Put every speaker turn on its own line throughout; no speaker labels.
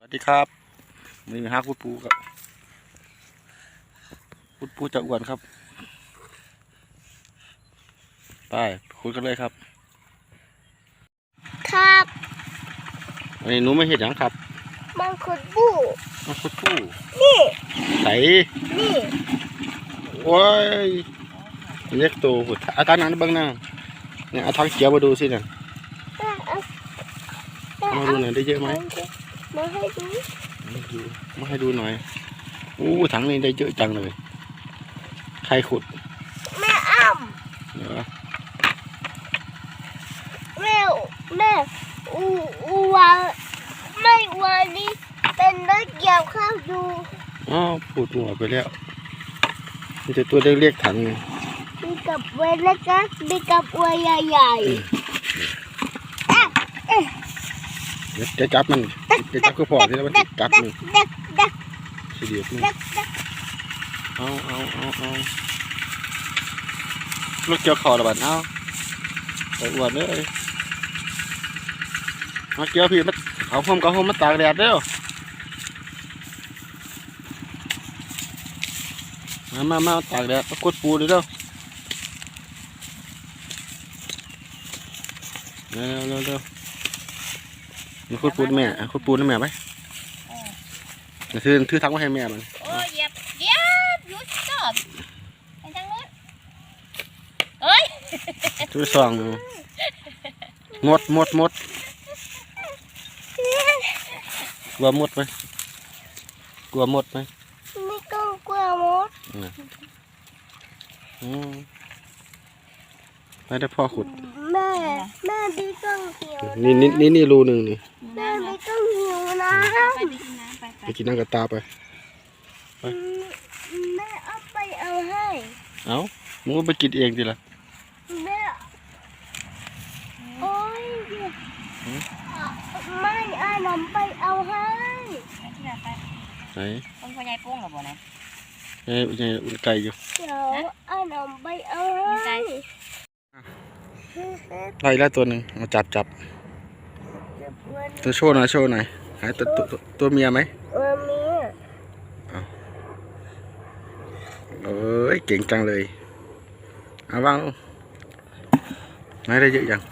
สวัสดีครับมีฮักพุดปูครับพุดปูจะอ้วนครับไปคุยกันเลยครับ
ครับ
วันนี้หนูไม่เห็นยังครับ
มังคุดบู
มังคุดปู
นี่
ใส่
นี่
โอ้ยเล็กโตหุ่นอาการนั้นบ้างนะเนี่ยเอาทางเขียวมาดูสิเนี่ยมาดูหน่อยได้เยอะไหม
มาให้ดู
มาให้ดูหน่อยอู้ถังนี้ได้เยอะจังเลยใครขุด
แม่อ้ำ
เดี๋ยว
แม่วาไม่วานี่เป็นนักเกี่ยวข้าวดู
อ๋อพูดหัวไปแล้วมันจะตัวเล็กๆถังนึง
มีกับเวลกัสมีกับอวยใหญ่
เดี๋ยวจะจับมันจะจับก็พอที่แล้วมันจับมันสีเดียวมันเอาลูกเกี่ยวคอระบาดเอาไปอวดเลยมาเกี่ยวพี่มันเอาห่มมาตากแดดเร็วมาตากแดดกดปูดิเร็วเร็วนี่กดปูแม่กดปูนะแม่ไปถือทั้งไว้ให้แม่มัน
โอ้ยเหยียบหยุดจอดไปทางนู้นเฮ้ย
ถือซองหมดกลัวหมดไหม
ไม่ต้องกลัวมด
ไม่ได้พ่อขุด
แม่ไม่ต้องหิว
นี่รูหนึ่งนี่
แม่ไม่ต้องหิวนะ
ไปกินน้ำกระตาไป
แม่เอาให้
เอามึงก็ไปกินเองดิล่ะ
แม่โอ้ยไม่นำไปเอาให้
ไหน
คนพ่อใหญ่ปุ้งหรอบ่เนี่ย
อุ่นไก่อยู่
เดี๋ยวนำไปเอาให้
ไล่แล้วตัวหนึ่งมาจับตัวโชว์หน่อยหายตัวเมียไหม
เมีย
เอ้ยเก่งจังเลยเอาวางลงไหนได้เยอะยัง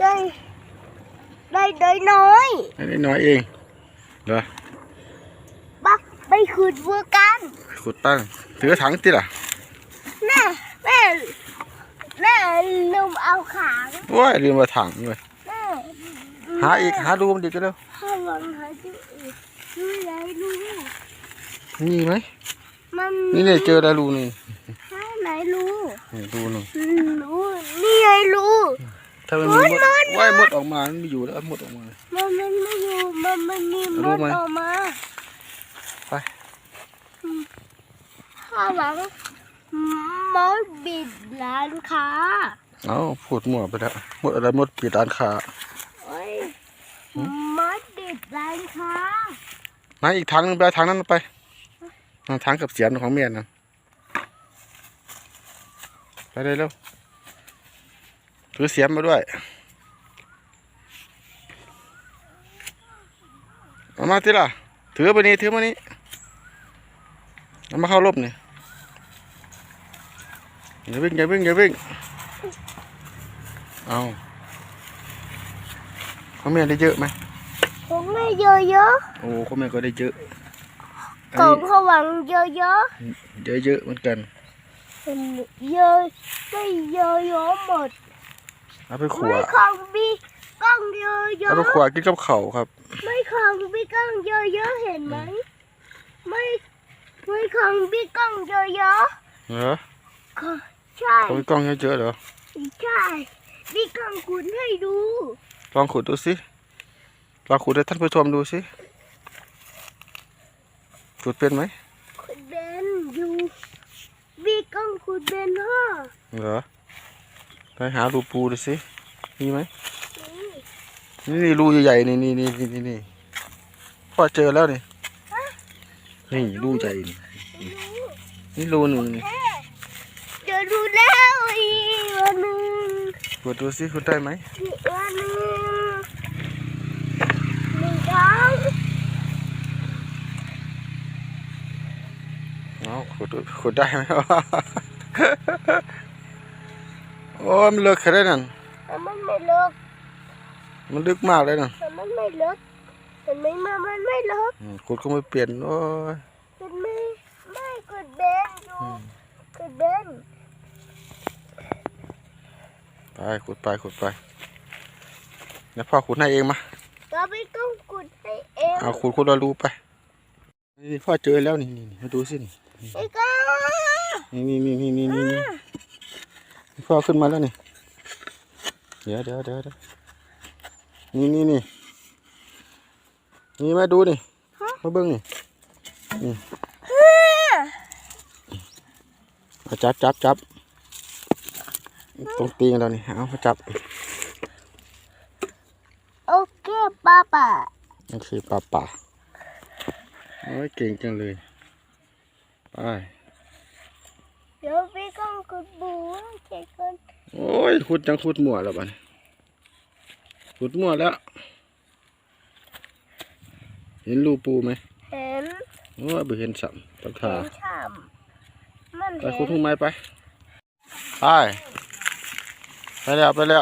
ได้น้อย
ได้น้อยเองเหรอ
บักไปขุดวัวกัน
ขุดตั้งถือถังติล่ะ
แม่ลืมเอาขา
ว้ายลืมมาถังเลยหาดูมันดีกันแล้ว
หาดูอีกดูไหนดู
มีไหมนี่เนี่ยเจอได้รูนึง
ไหนรู
ดูหนึ่ง
นี่ไงรู
ถ้ามันมีว่ายมดออกมามันไม่อยู่แล้วมดออกมา
มันไม่อยู่มันมีมดออกมา
ไป
ข้างหลังมดปิดร้านค้า
เอาพูดมั่วไปแล้วมดอะไรมดปิดร้านค้าม
ดปิดร้านค้า
มาอีกทางนึงไปทางนั้นไปทางกับเสียมของเมียนะไปเลยเร็วถือเสียมมาด้วยเอามาที่ล่ะถือมานี่เอามาเข้าร่มนี่อย่าวิ่งเอาเขาแม่ได้เยอะไหม
ของแม่เยอะ
โอ้เขาแม่ก็ได้เยอะ
ของเขาหวังเยอะ
เหมือนกัน
เยอะไม่เยอะหมด
เอาไปขวด
ของบีก้องเยอะ
เอาไปขวดกินกับเข่าครับ
ไม่ของบีก้องเยอะเห็นไหมไม่ของบีก้องเยอะ
เหรอ
ใช่
ของบีก้องเยอะเหรอ
ใช่บีก้องขุดให้ดู
ลองขุดดูสิลองขุดให้ท่านผู้ชมดูสิขุดเป็นไหม
ขุดเป็นอยู่บีก้องขุดเป็นพ่อ
เหรอไปหารูปูดูสิมีไหมนี่รูใหญ่ๆนี่พ่อเจอแล้วนี่รูใหญ่นี่รูหนึ่ง
เจอรูแล้วอีกวันนึง
ขุดดูสิขุดได้ไหม
อีกวันนึง1 ครั้ง
ขุดได้ไหมวะโอ้มันลึกแค่ไหนนั่น
แต่มันไม่ลึก
มันลึกมากเลยนั่น
แต่มันไม่ลึกเห็นไหมมันไม่ลึก
ขุดก็ไม่เปลี่ยนโอ้ย
เห็นไหมไม่กดเบนอยู่กดเบน
ไปขุดไปแล้วพ่อขุดให้เองมา
เราไม่ต้องกดให้เอง
เอาขุดเรารู้ไปนี่พ่อเจอแล้วนี่มาดูสินี่
ไอ้ก้า
นี่พ่อขึ้นมาแล้วนี่เดี๋ยวนี่มาดูนี่มาเบิ้งนี่เอาจับตรงตีนเรานี่เอามาจับ
โอเคป้า
นั่นคือป่าโอ้ยเก่งจังเลยไป
เดี๋ยวพี่ต้องกดบูเช็คก่อน
โอ้ยขุดมั่วแล้วบ้านขุดมั่วแล้วเห็นรูปูไหม
เห็น
โอ้ยไม่เห็นสัมตังขา
เห็นฉ่ำมัน
ไป
เห็น
ขุดทุ่งไม้ไปแล้ว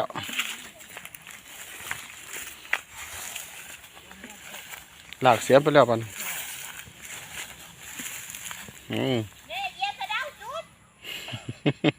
หลากเสียมไปแล้วบ้าน
เนี่ยเหยียบกระดาษจุด